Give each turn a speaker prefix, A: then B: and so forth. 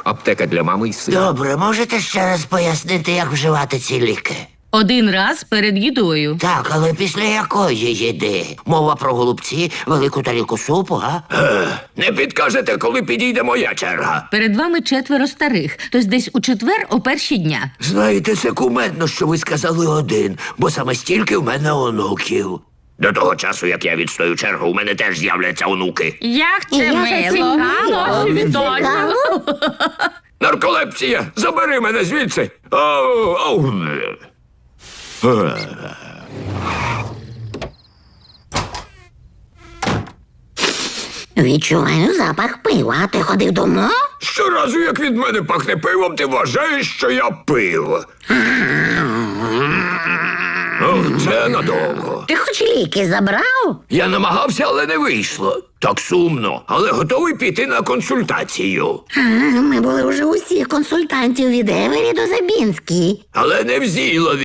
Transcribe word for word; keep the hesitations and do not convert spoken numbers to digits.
A: аптека для мами і сина.
B: Добре, можете ще раз пояснити, як вживати ці ліки?
C: Один раз перед їдою.
B: Так, але після якої їди? Мова про голубці, велику тарілку супу, га?
A: Не підкажете, коли підійде моя черга?
C: Перед вами четверо старих, тож десь у четвер о перші дня.
B: Знаєте, це кумедно, що ви сказали один, бо саме стільки в мене онуків.
A: До того часу, як я відстою чергу, у мене теж з'являться онуки.
C: Як це
D: Як це
C: мило!
D: мило! Цікаво.
A: Нарколепсія, забери мене звідси. Оу, оу.
D: Відчуваю запах пива. А ти ходив дома?
A: Щоразу, як від мене пахне пивом, ти вважаєш, що я пив. Ох, це надовго.
D: Ти хоч ліки забрав?
A: Я намагався, але не вийшло. Так сумно, але готовий піти на консультацію.
D: А, ми були вже усіх консультантів від Евері до Забінській.
A: Але не в Зілові.